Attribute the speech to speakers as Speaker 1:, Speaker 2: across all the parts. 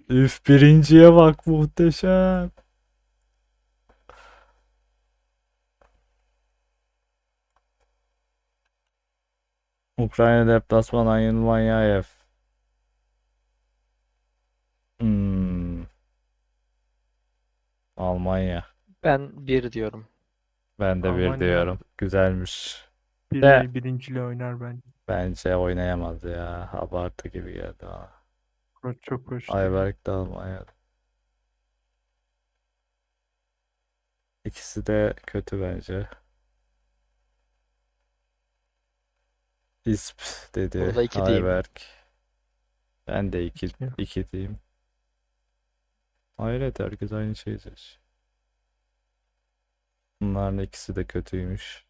Speaker 1: Üf, birinciye bak, muhteşem. Ukrayna deplasman Yanılmanyayev. Hmm, Almanya.
Speaker 2: Ben bir diyorum.
Speaker 1: Ben de bir
Speaker 3: Almanya
Speaker 1: diyorum. Güzelmiş. De
Speaker 3: birinciyle oynar bence.
Speaker 1: bence oynayamaz ya. Abartı gibi geldi bana.
Speaker 3: Koç çok hoş değil.
Speaker 1: Ayberk de Almanya. İkisi de kötü bence. İsp dedi
Speaker 2: Burada iki diyeyim.
Speaker 1: Ayberk. Ben de iki,
Speaker 3: İki.
Speaker 1: iki diyeyim. Hayret, herkes aynı şeyi seç. Bunların ikisi de kötüymüş.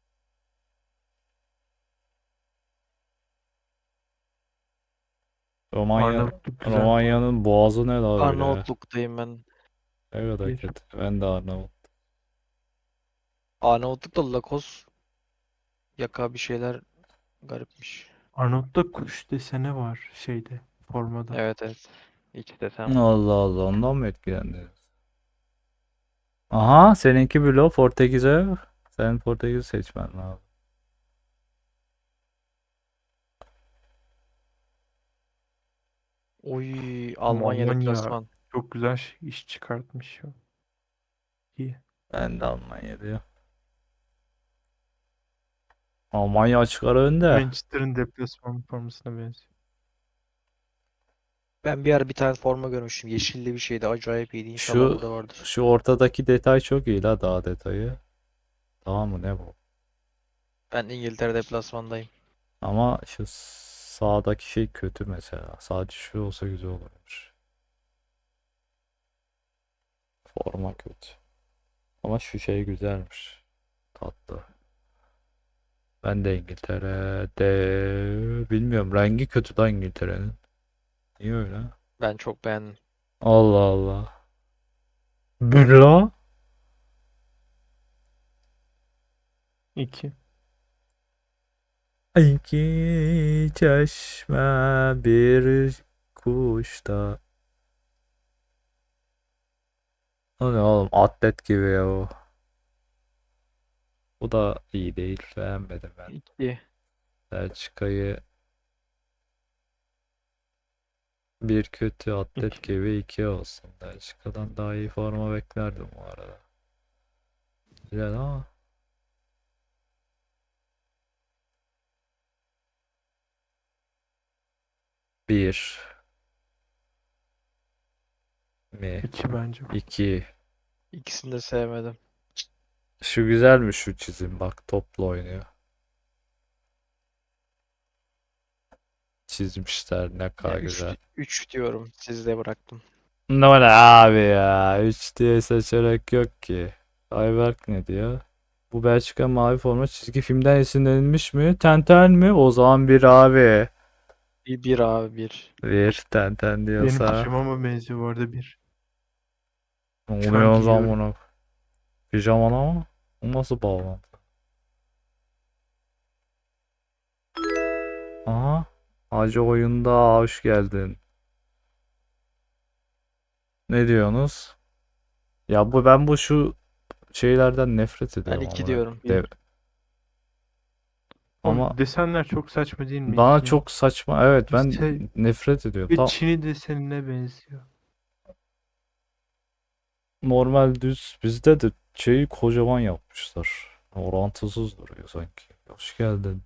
Speaker 3: Arnavutluk güzel bu arada.
Speaker 1: Romanya'nın boğazı ne la öyle?
Speaker 2: Arnavutluk'tayım ben.
Speaker 1: Ne kadar
Speaker 3: Bir.
Speaker 1: kötü. Ben de Arnavut.
Speaker 2: Arnavutluk'ta Lakos yaka bir şeyler garipmiş.
Speaker 3: Arnavut'ta kuş deseni var şeyde formada.
Speaker 2: Evet evet. İç desem var.
Speaker 1: Allah Allah, ondan mı etkilendiniz? Aha, seninki bilo Portekiz'e. Sen Portekiz seçmen lazım.
Speaker 2: Oy
Speaker 3: Ama
Speaker 2: Almanya
Speaker 3: Almanya
Speaker 2: deplasman.
Speaker 3: çok güzel iş çıkartmış ya. İyi.
Speaker 1: Ben de Almanya diyor. Almanya açık ara önde.
Speaker 3: Manchester'ın deplasman formasına benziyor.
Speaker 2: Ben bir ara bir tane forma görmüştüm. Yeşilli bir şeydi. Acayip iyiydi. İnşallah
Speaker 1: Şu
Speaker 2: burada vardır.
Speaker 1: şu ortadaki detay çok iyi la, daha detayı. Tamam mı, ne bu?
Speaker 2: Ben İngiltere deplasmandayım.
Speaker 1: Ama şu sağdaki şey kötü mesela. Sadece şu olsa güzel olurmuş. Forma kötü. Ama şu şey güzelmiş. Tatlı. Ben de İngiltere'de bilmiyorum. Rengi kötü da İngiltere'nin. Niye öyle?
Speaker 2: Ben çok beğendim.
Speaker 1: Allah Allah. Bülla.
Speaker 3: İki.
Speaker 1: İki çeşme bir kuşta. O ne oğlum, atlet gibi ya o. Bu da iyi değil. Beğenmedim ben.
Speaker 2: İki.
Speaker 1: Belçika'yı bir kötü, atlet
Speaker 3: İki.
Speaker 1: gibi iki olsun. Belçika'dan daha iyi forma beklerdim bu arada. Güzel ama. Bir mi?
Speaker 3: İki bence.
Speaker 1: İki.
Speaker 2: İkisini de sevmedim.
Speaker 1: Şu güzelmiş, şu çizim. Bak, topla oynuyor. Çizmişler, ne
Speaker 2: Ya
Speaker 1: kadar güzel.
Speaker 2: 3 diyorum. Sizde bıraktım.
Speaker 1: Ne var abi ya? 3 diye seçerek yok ki. Ayberk ne diyor? Bu Belçika mavi forma çizgi filmden esinlenilmiş mi? Tenten mi? O zaman bir abi.
Speaker 2: Bir abi bir.
Speaker 1: Bir Tenten
Speaker 3: Benim
Speaker 1: diyorsa.
Speaker 3: pijamama benziyor bu arada bir.
Speaker 1: Ne
Speaker 3: Şu
Speaker 1: oluyor
Speaker 3: an
Speaker 1: o zaman
Speaker 3: giyiyorum.
Speaker 1: bunu? Pijamana mı? O nasıl bağlantı? Aha. Hacı oyunda hoş geldin. Ne diyorsunuz? Ya ben bu şu şeylerden nefret
Speaker 2: Ben
Speaker 1: ediyorum
Speaker 2: 2
Speaker 1: ama.
Speaker 2: diyorum.
Speaker 1: De,
Speaker 3: Bir.
Speaker 1: ama
Speaker 3: Oğlum desenler çok saçma değil mi
Speaker 1: bana
Speaker 3: ikinin?
Speaker 1: çok saçma. Evet, ben
Speaker 3: Şey,
Speaker 1: nefret ediyorum.
Speaker 3: bir
Speaker 1: Tam
Speaker 3: Çin'i desenine benziyor.
Speaker 1: normal düz, bizde de şeyi kocaman yapmışlar. Orantısız duruyor sanki. Hoş geldin.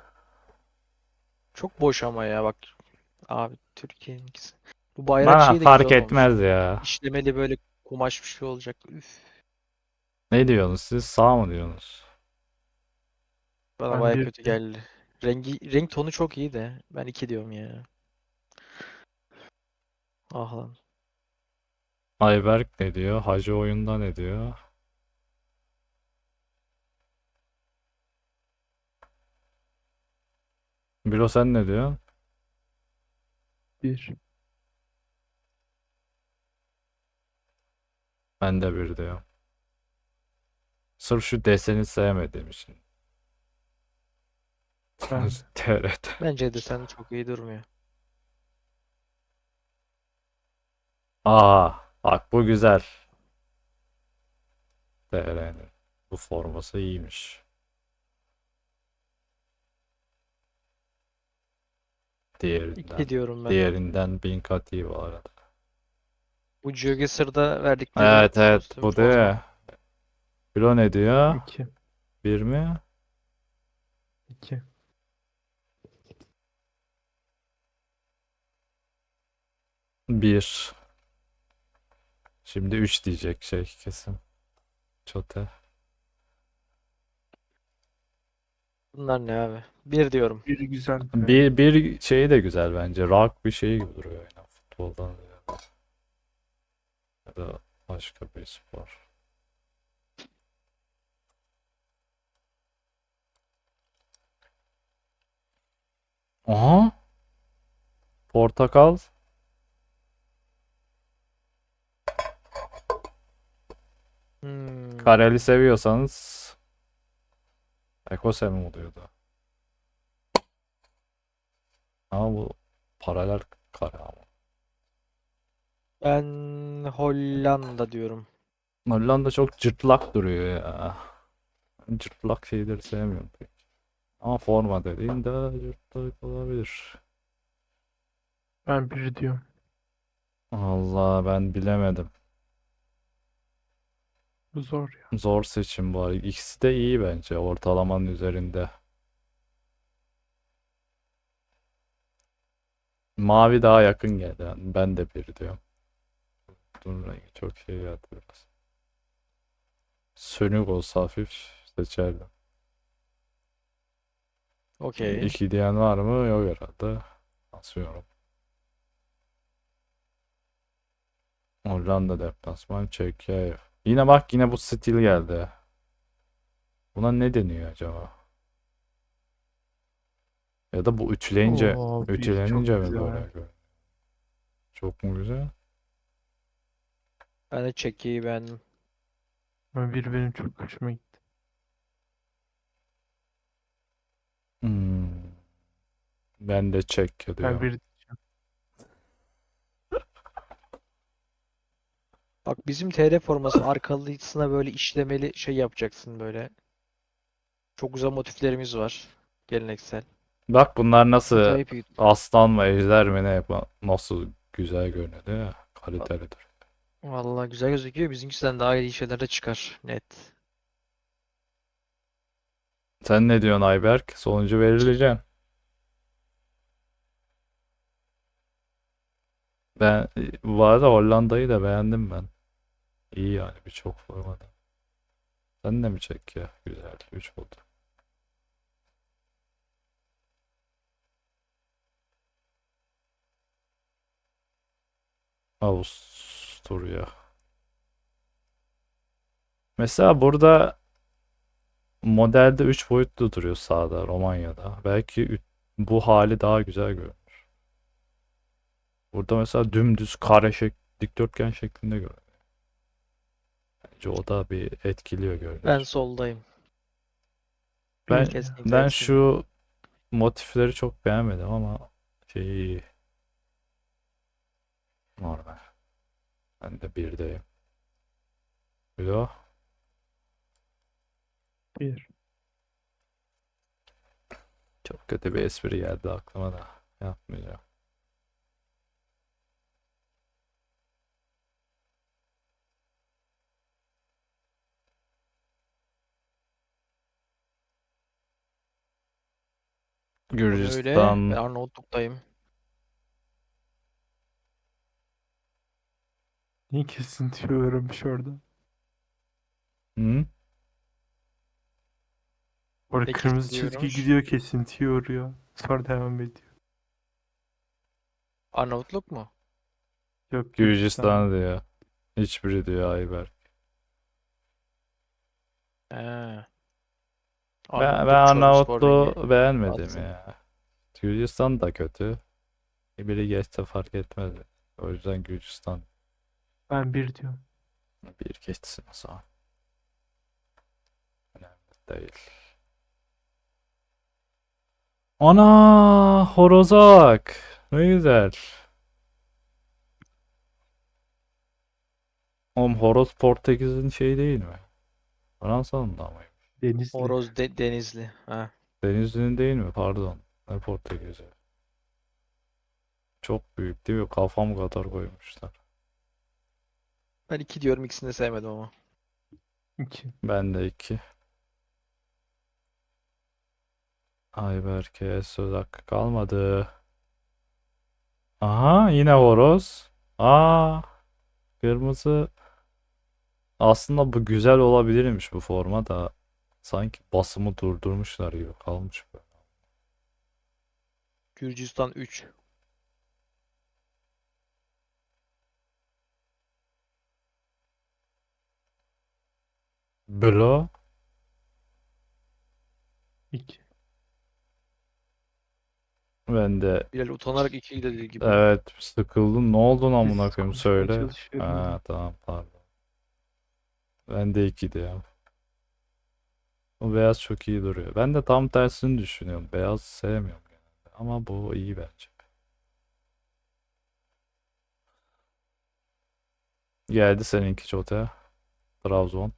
Speaker 2: Çok boş ama ya bak. Abi Türkiye'nin ikisi. Bu bayrak
Speaker 1: Bana
Speaker 2: şeyi de
Speaker 1: fark
Speaker 2: güzel olmuş.
Speaker 1: etmez ya.
Speaker 2: İşlemeli böyle kumaş bir şey olacak. Üf.
Speaker 1: Ne diyorsunuz siz? Sağ mı diyorsunuz?
Speaker 2: Bana
Speaker 3: Ben
Speaker 2: baya
Speaker 3: bir
Speaker 2: kötü geldi. Renk tonu çok iyi de. Ben 2 diyorum ya. Ah lan.
Speaker 1: Ayberk ne diyor? Hacı oyunda ne diyor? Bilo, sen ne diyorsun?
Speaker 3: bir.
Speaker 1: Ben de bir diyorum. Sırf şu deseni sevmediğim için.
Speaker 3: Ben
Speaker 1: TRT.
Speaker 2: Bence de sen çok iyi durmuyor.
Speaker 1: Aa, bak bu güzel. TR'nin. Bu forması iyiymiş. Diğerinden.
Speaker 2: 2 diyorum ben.
Speaker 1: Diğerinden bin kat iyi bu arada.
Speaker 2: Bu GeoGuessr'da verdikleri
Speaker 1: Evet evet
Speaker 2: kostüm
Speaker 1: bu değil
Speaker 2: forma.
Speaker 1: mi? Kilo ne diyor?
Speaker 3: 2.
Speaker 1: Bir mi?
Speaker 3: 2.
Speaker 1: Bir. Şimdi 3 diyecek şey kesin. Çote.
Speaker 2: Bunlar ne abi? 1 diyorum.
Speaker 3: Bir güzel be.
Speaker 1: Bir şeyi de güzel bence. Rock bir şey gibi duruyor yani futboldan ziyade. Ya da başka bir spor. Aha. Portakal.
Speaker 2: Hmm.
Speaker 1: Kareli seviyorsanız Ekosem oluyordu. Ama bu paralel kare ama.
Speaker 2: Ben Hollanda diyorum.
Speaker 1: Hollanda çok cırtlak duruyor ya. Ben cırtlak şeyleri sevmiyorum pek. Ama forma dediğin de cırtlak olabilir.
Speaker 3: Ben bir diyorum.
Speaker 1: Allah ben bilemedim.
Speaker 3: Bu zor ya.
Speaker 1: Zor seçim var. İkisi de iyi bence. Ortalamanın üzerinde. Mavi daha yakın geldi. Yani ben de bir diyorum. Dur rengi çok şey geldi biraz. Sönük olsa hafif seçerdim.
Speaker 2: Okey.
Speaker 1: İki diyen var mı? Yok herhalde. Asıyorum. Hollanda deplasman Çekya. Yine bak yine bu stil geldi. Buna ne deniyor acaba? Ya da bu ütüleyince
Speaker 3: Oo, bir çok
Speaker 1: ütülenince mi böyle
Speaker 3: güzel.
Speaker 1: görünüyor? Çok mu güzel?
Speaker 2: Ben de Çekya'yı beğendim.
Speaker 3: Ben bir benim çok hoşuma gitti.
Speaker 1: Hmm. Ben de Çekya
Speaker 3: Ben
Speaker 1: diyorum.
Speaker 3: bir
Speaker 2: Bak bizim TR forması arkalısına böyle işlemeli şey yapacaksın böyle. Çok güzel motiflerimiz var. Geleneksel.
Speaker 1: Bak bunlar nasıl
Speaker 2: Acayip iyi.
Speaker 1: aslan mı ejder mi ne nasıl güzel görünüyor değil mi? Kalitelidir.
Speaker 2: Vallahi güzel gözüküyor. Bizimkisinden daha iyi şeyler de çıkar. Net.
Speaker 1: Sen ne diyorsun Ayberk? Sonucu belirleyeceğim. Ben bu arada Hollanda'yı da beğendim ben. İyi yani birçok formada. Sen de mi Çekya? Güzel. 3 oldu. Avusturya. Mesela burada modelde 3 boyutlu duruyor sağda Romanya'da. Belki bu hali daha güzel görünüyor. Burada mesela dümdüz kare dikdörtgen şeklinde görünüyor. Bence o da bir etkiliyor
Speaker 2: Ben
Speaker 1: görünüş.
Speaker 2: soldayım.
Speaker 1: Ben
Speaker 3: bir ya.
Speaker 2: Kesinlikle
Speaker 1: ben
Speaker 2: hepsini.
Speaker 1: şu motifleri çok beğenmedim ama şeyi normal. Ben de birdeyim. Bilo.
Speaker 3: Bir.
Speaker 1: Çok kötü bir espri geldi aklıma da. Yapmayacağım.
Speaker 2: O ne öyle? Ben
Speaker 1: Gürcistan.
Speaker 2: Arnavutluk'tayım.
Speaker 3: Niye kesinti öğrenmiş orada?
Speaker 1: Hı?
Speaker 3: Orada
Speaker 2: Ne
Speaker 3: kırmızı çizgi
Speaker 2: kesiliyormuş?
Speaker 3: gidiyor kesintiyi uğruyor. Sonra devam ediyor.
Speaker 2: Arnavutluk mu?
Speaker 3: Yok Gürcistan.
Speaker 1: Gürcistan diyor. Hiçbiri diyor Ayber.
Speaker 2: He.
Speaker 1: Ben
Speaker 2: Arnavutluk Çorumspor rengi.
Speaker 1: Arnavutluğu beğenmedim
Speaker 2: Atsın.
Speaker 1: ya. Gürcistan da kötü. Biri geçse fark etmez. O yüzden Gürcistan
Speaker 3: Ben bir diyorum.
Speaker 1: bir geçsin o zaman. Önemli değil. Ana horozak. Ne güzel. Oğlum horoz Portekiz'in şeyi değil mi? Fransa'nın da mı?
Speaker 3: Denizli.
Speaker 2: Denizli. Ha.
Speaker 1: Denizli'nin değil mi? Pardon. Ne Portekiz'i? Çok büyük değil mi? Kafam kadar koymuşlar.
Speaker 2: Ben 2 diyorum, ikisini de sevmedim ama.
Speaker 3: 2.
Speaker 1: Ben de 2. Ayberk'e söz hakkı kalmadı. Aha yine horoz. Aa kırmızı. Aslında bu güzel olabilirmiş bu forma da. Sanki basımı durdurmuşlar gibi kalmış bu.
Speaker 2: Gürcistan 3.
Speaker 1: Blo.
Speaker 3: 2.
Speaker 1: Ben de
Speaker 2: Bilal utanarak 2 dediği gibi.
Speaker 1: evet sıkıldım. Ne oldu amına
Speaker 3: Biz
Speaker 1: koyayım
Speaker 3: konuşmaya
Speaker 1: söyle.
Speaker 3: çalışıyorum
Speaker 1: Ha
Speaker 3: ya.
Speaker 1: tamam pardon. Ben de 2 diyorum. O beyaz çok iyi duruyor. Ben de tam tersini düşünüyorum. Beyaz sevmiyorum genelde. Ama bu iyi bence. Geldi seninki Çote. Trabzon.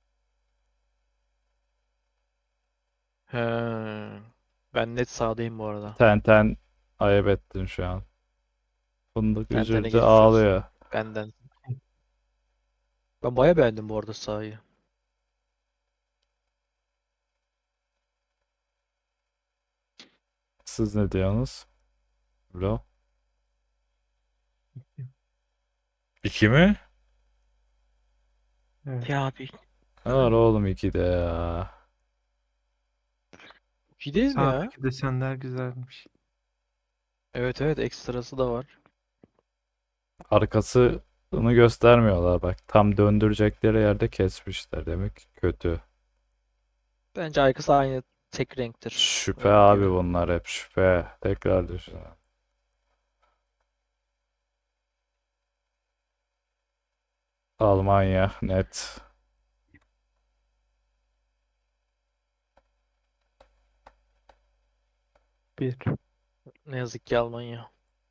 Speaker 2: He. Ben net sağdayım bu arada.
Speaker 1: Ten ayıp ettin şu an. Fındık
Speaker 2: Tentene
Speaker 1: üzüldü
Speaker 2: geçmiş olsun.
Speaker 1: ağlıyor.
Speaker 2: Benden. Ben baya beğendim bu arada sahayı.
Speaker 1: Siz ne diyorsunuz? Bro. 2 mi?
Speaker 3: Evet.
Speaker 2: Ya abi.
Speaker 1: Ne var oğlum 2 de ya.
Speaker 2: 2 değil mi ya?
Speaker 3: Sağdaki desenler güzelmiş.
Speaker 2: Evet evet, ekstrası da var.
Speaker 1: Arkasını göstermiyorlar bak. Tam döndürecekleri yerde kesmişler. Demek ki kötü.
Speaker 2: Bence arkası aynı tek renktir.
Speaker 1: Şüphe
Speaker 2: Ön
Speaker 1: abi
Speaker 2: gibi.
Speaker 1: bunlar hep şüphe. Tekrar düşün. Almanya net.
Speaker 3: 1.
Speaker 2: Ne yazık ki Almanya.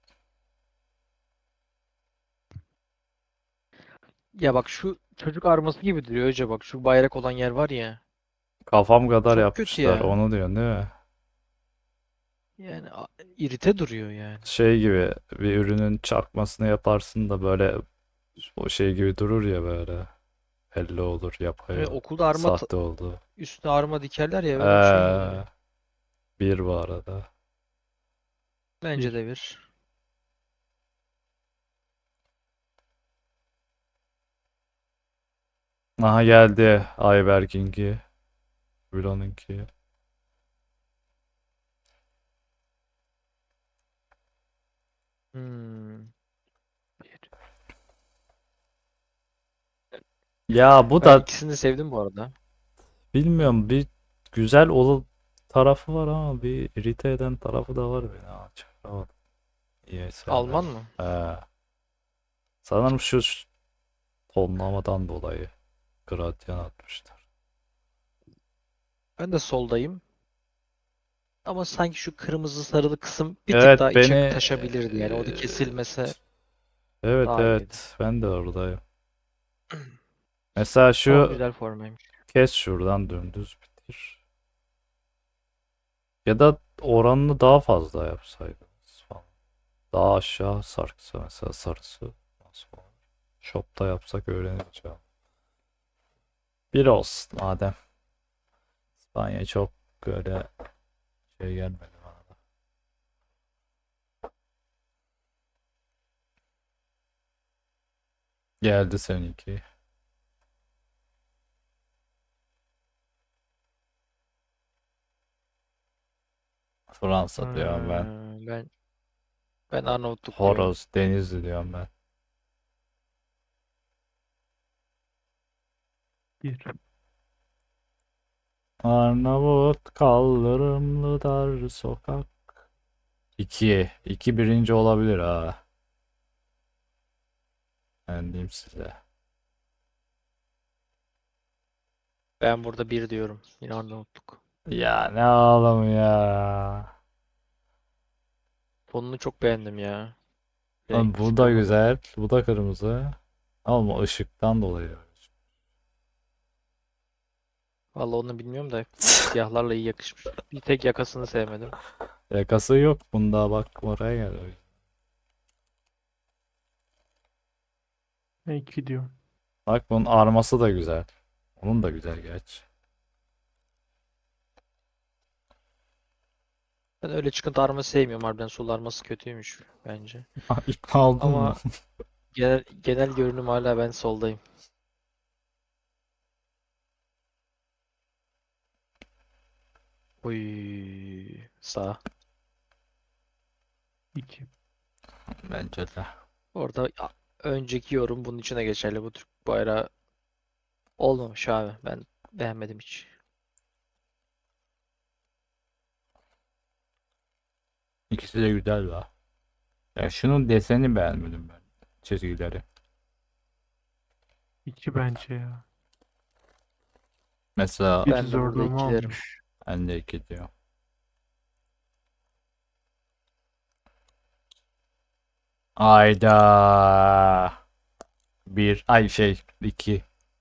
Speaker 2: Ya bak, şu çocuk arması gibi duruyor hoca, bak şu bayrak olan yer var ya.
Speaker 1: Kafam kadar
Speaker 2: Çok kötü
Speaker 1: yapmışlar.
Speaker 2: ya.
Speaker 1: Onu diyorsun değil mi?
Speaker 2: Yani irite duruyor yani.
Speaker 1: Şey gibi bir ürünün çarpmasını yaparsın da böyle o şey gibi durur ya böyle. Belli olur yapay
Speaker 2: Evet,
Speaker 1: o.
Speaker 2: okulda
Speaker 1: Sahte oldu.
Speaker 2: üstüne arma dikerler ya, öyle bir şey gibi
Speaker 1: Ee,
Speaker 2: duruyor.
Speaker 1: bir bu arada.
Speaker 2: Bence
Speaker 3: 1.
Speaker 2: de bir.
Speaker 1: Aha geldi Ayberk'inki. Bülent'inki.
Speaker 2: Hmm.
Speaker 1: Ya bu
Speaker 2: Ben
Speaker 1: da
Speaker 2: ikisini de sevdim bu arada.
Speaker 1: bilmiyorum bir güzel tarafı var ama bir irite eden tarafı da var beni. Ha, çakamadım. İyi sevmedim.
Speaker 2: Alman mı?
Speaker 1: Ee, sanırım şu tonlamadan dolayı gradyan atmışlar.
Speaker 2: Ben de soldayım. Ama sanki şu kırmızı sarılı kısım bir tık
Speaker 1: Evet
Speaker 2: daha
Speaker 1: beni
Speaker 2: içe taşabilirdi yani. O da kesilmese
Speaker 1: evet
Speaker 2: daha iyiydi.
Speaker 1: evet ben de oradayım. Mesela
Speaker 2: Ama
Speaker 1: şu
Speaker 2: güzel formaymış.
Speaker 1: kes şuradan dümdüz bitir. Ya da oranını daha fazla yapsaydınız falan. Daha aşağı sarksa mesela sarısı. Nasıl olur? Shop'ta yapsak öğreneceğim. Bir olsun madem. İspanya çok öyle şey gelmedi bana da. Geldi seninki. Fransa diyorum ben.
Speaker 2: Ben Arnavutluk diyorum.
Speaker 1: Horoz, Denizli diyorum ben.
Speaker 3: 1.
Speaker 1: Arnavut kaldırımlı dar sokak. 2. 2 birinci olabilir ha. Ben diyeyim size.
Speaker 2: Ben burada bir diyorum. Yine Arnavutluk.
Speaker 1: Ya ne ağlam ya.
Speaker 2: Fonunu çok beğendim ya.
Speaker 1: Lan
Speaker 2: Renk
Speaker 1: bu da
Speaker 2: tipi falan.
Speaker 1: güzel. Bu da kırmızı. Ama o ışıktan dolayı.
Speaker 2: Vallahi onu bilmiyorum da siyahlarla iyi yakışmış. Bir tek yakasını sevmedim.
Speaker 1: Yakası yok bunda, bak oraya gel.
Speaker 3: Ben 2 diyorum.
Speaker 1: Bak bunun arması da güzel. Onun da güzel geç.
Speaker 2: Ben öyle çıkıntı arması sevmiyorum. Harbiden sol arması kötüymüş bence.
Speaker 1: İkna oldun mu?
Speaker 2: Ama genel görünüm hala ben soldayım. Uy, sağ.
Speaker 3: 2.
Speaker 1: Bence de.
Speaker 2: Orada önceki yorum bunun içine geçerli. Bu Türk bayrağı olmamış abi. Ben beğenmedim hiç.
Speaker 1: İkisi de güzel la. Ya şunun deseni beğenmedim ben. Çizgileri.
Speaker 3: 2 bence ya.
Speaker 1: Mesela
Speaker 3: Bir
Speaker 2: Ben de burada
Speaker 3: zorlama
Speaker 2: ikilerim.
Speaker 3: olmuş.
Speaker 1: ben de iki diyor. Ayda. Bir. Ay şey. İki.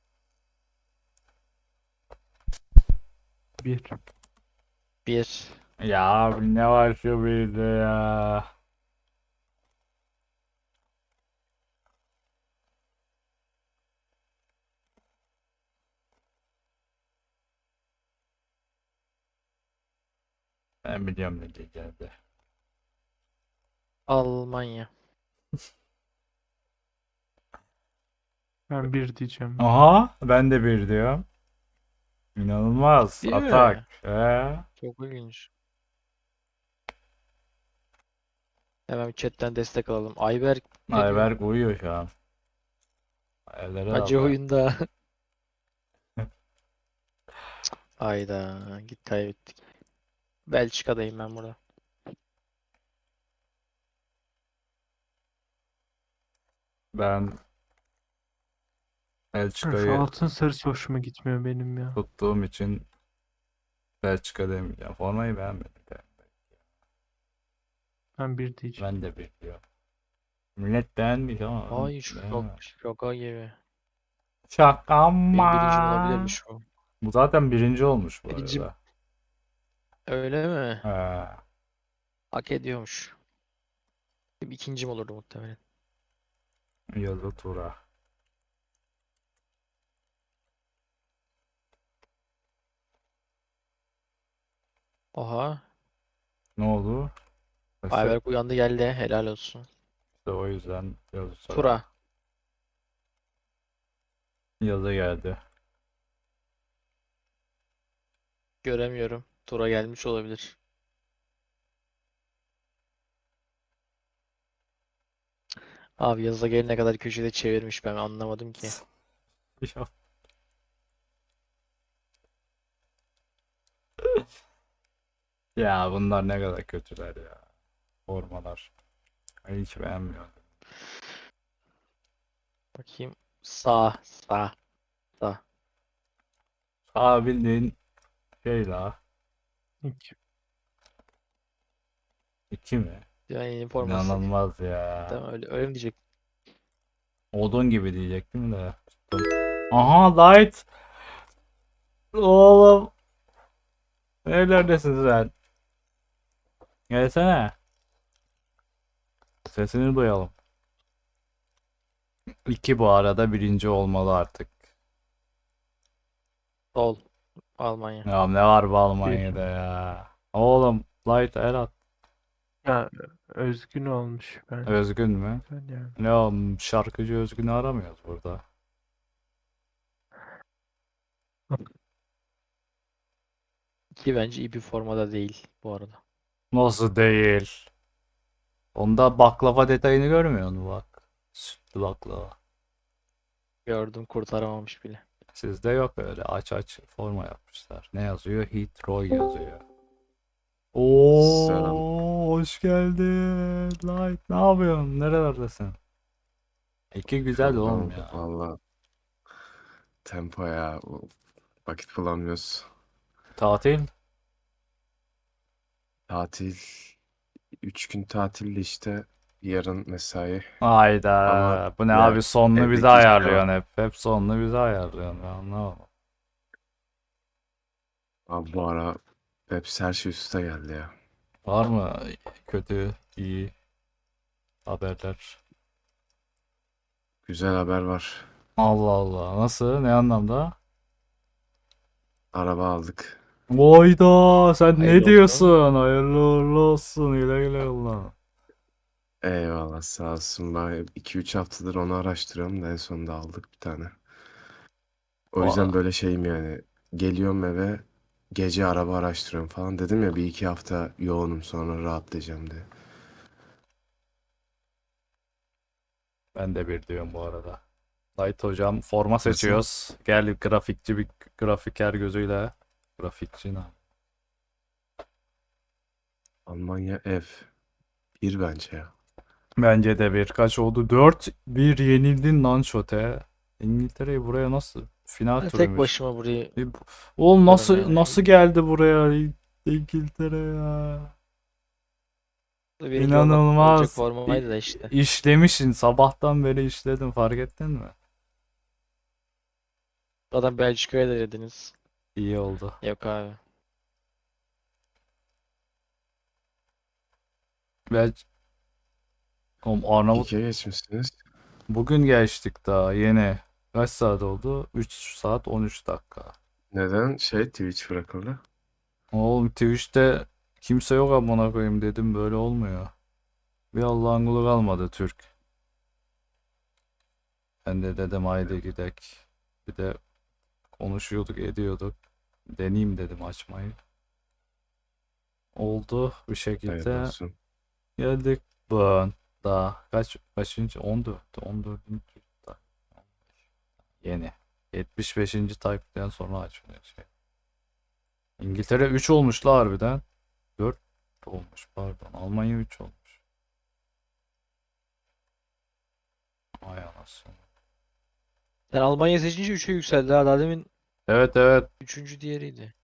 Speaker 3: 1.
Speaker 2: Bir.
Speaker 1: Ya abi ne var şu birde ya. Ben biliyorum ne diyeceğim de.
Speaker 2: Almanya.
Speaker 3: Ben 1 diyeceğim.
Speaker 1: Aha ben de bir diyorum. İnanılmaz.
Speaker 2: Değil
Speaker 1: Atak.
Speaker 2: mi?
Speaker 1: He.
Speaker 2: Çok ilginç. Hemen chatten destek alalım. Ayberk ne diyor?
Speaker 1: Ayberk uyuyor şu an. Ayber'e
Speaker 2: Acı
Speaker 1: de bak.
Speaker 2: oyunda. Ayda git kaybettik. Belçika'dayım ben burada.
Speaker 1: Ben
Speaker 3: Ha, şu
Speaker 1: Belçika'yı
Speaker 3: altın sarısı hoşuma gitmiyor benim ya.
Speaker 1: tuttuğum için Belçika demeyeceğim. Formayı beğenmedim de.
Speaker 3: Ben 1 diyeceğim.
Speaker 1: Ben de bekliyorum. Millet beğenmiş ama ben
Speaker 2: Ay
Speaker 1: beğenmedim.
Speaker 2: şaka gibi.
Speaker 1: Şaka
Speaker 2: Benim birincim
Speaker 1: mı?
Speaker 2: olabilirmiş bu.
Speaker 1: Bu zaten birinci olmuş bu
Speaker 2: Birincim
Speaker 1: arada.
Speaker 2: öyle mi?
Speaker 1: He.
Speaker 2: Hak ediyormuş. Benim ikincim olurdu muhtemelen.
Speaker 1: Yazı tura.
Speaker 2: Oha.
Speaker 1: Ne oldu? İşte,
Speaker 2: Ayberk uyandı geldi. Helal olsun.
Speaker 1: işte o yüzden yazı tura.
Speaker 2: Tura.
Speaker 1: Yazı geldi.
Speaker 2: Göremiyorum. Tura gelmiş olabilir. Abi yazıda gelene kadar köşede çevirmiş ben anlamadım ki.
Speaker 1: Ya, ya bunlar ne kadar kötüler ya. Formalar. Ben hiç beğenmiyorum.
Speaker 2: Bakayım. Sağ.
Speaker 1: Aa bildiğin şey la.
Speaker 3: 2.
Speaker 1: İki mi?
Speaker 2: Yani forması.
Speaker 1: İnanılmaz ya.
Speaker 2: Tamam öyle mi diyecek?
Speaker 1: Odun gibi diyecektim de. Tuttum. Aha light. Oğlum. Nerelerdesin sen? Gelsene. Sesini duyalım. İki bu arada birinci olmalı artık.
Speaker 2: Sol. Almanya.
Speaker 1: Ya ne var bu
Speaker 3: 1.
Speaker 1: Almanya'da ya? Oğlum light el at.
Speaker 3: Ya özgün olmuş ben.
Speaker 1: Özgün mü?
Speaker 3: Güzel yani.
Speaker 1: Ne oğlum şarkıcı Özgün'ü aramıyoruz burada.
Speaker 2: Ki bence iyi bir formada değil bu arada.
Speaker 1: Nasıl değil? Onda baklava detayını görmüyor musun bak? Sütlü baklava.
Speaker 2: Gördüm kurtaramamış bile.
Speaker 1: Sizde yok öyle aç aç forma yapmışlar. Ne yazıyor? Heathrow yazıyor.
Speaker 4: Selam.
Speaker 1: Oo, hoş geldin. Light, ne yapıyorsun? Nerelerdesin? İki güzel oğlum
Speaker 4: Şuradan
Speaker 1: ya.
Speaker 4: valla tempo ya. Vakit bulamıyoruz.
Speaker 1: Tatil?
Speaker 4: Tatil 3 gün tatilde işte Yarın mesai. Ama
Speaker 1: Hayda. Bu ne
Speaker 4: ya
Speaker 1: abi, sonunu bize
Speaker 4: evdeki iş
Speaker 1: ayarlıyorsun
Speaker 4: devam.
Speaker 1: hep. Hep sonunu bize ayarlıyorsun. Ben anlamadım.
Speaker 4: Abi bu ara hepsi her şey üste geldi ya.
Speaker 1: Var mı kötü, iyi haberler?
Speaker 4: Güzel haber var.
Speaker 1: Allah Allah. Nasıl? Ne anlamda?
Speaker 4: Araba aldık.
Speaker 1: Oyda sen ne
Speaker 2: Hayırlı olsun.
Speaker 1: diyorsun? Hayırlı uğurlu olsun. Güle güle kullan.
Speaker 4: Eyvallah sağ olsun. Ben 2-3 haftadır onu araştırıyorum da en sonunda aldık bir tane. O yüzden
Speaker 1: Valla
Speaker 4: böyle şeyim yani. Geliyorum eve gece araba araştırıyorum falan. Dedim ya 1-2 hafta yoğunum sonra rahatlayacağım diye.
Speaker 1: ben de bir diyorum bu arada. Light hocam, forma
Speaker 4: Nasıl?
Speaker 1: seçiyoruz. Gel grafikçi, bir grafiker gözüyle. Grafikçi ne?
Speaker 4: Almanya ev. Bir bence ya.
Speaker 1: Bence de bir. Kaç oldu? 4-1 yenildin lan Şote. İngiltere'yi buraya nasıl? Final
Speaker 2: Ben tek
Speaker 1: turuymuş.
Speaker 2: başıma burayı
Speaker 1: Oğlum
Speaker 2: yaparım
Speaker 1: nasıl
Speaker 2: yani.
Speaker 1: geldi buraya İngiltere ya?
Speaker 2: Benimki olacak
Speaker 1: İnanılmaz.
Speaker 2: formaydı da işte.
Speaker 1: İşlemişsin. Sabahtan beri işledin, fark ettin mi?
Speaker 2: Adam Belçika'ya da dediniz.
Speaker 1: İyi oldu.
Speaker 2: Yok abi.
Speaker 1: Belki oğlum Arnavut
Speaker 4: İkiye geçmişsiniz.
Speaker 1: bugün geçtik daha yeni. Kaç saat oldu? 3 saat 13 dakika.
Speaker 4: Neden? Twitch bırakıldı.
Speaker 1: Oğlum Twitch'te kimse yok amına koyayım dedim, böyle olmuyor. Bir Allah'ın kulu kalmadı Türk. Ben de dedim haydi gidek. Bir de konuşuyorduk ediyorduk. Deneyeyim dedim açmayı. Oldu bir
Speaker 4: Hayırlı
Speaker 1: şekilde
Speaker 4: olsun.
Speaker 1: geldik. Burn. Daha kaçıncı? 14. 14. da- Yeni. 75. type'den sonra açılıyor şey. İngiltere 3 olmuş la harbiden. 4 olmuş pardon. Almanya 3 olmuş. Ay anasını.
Speaker 2: Sen Almanya seçince 3'e yükseldi ha. Daha demin
Speaker 1: Evet evet.
Speaker 2: 3. diğeriydi.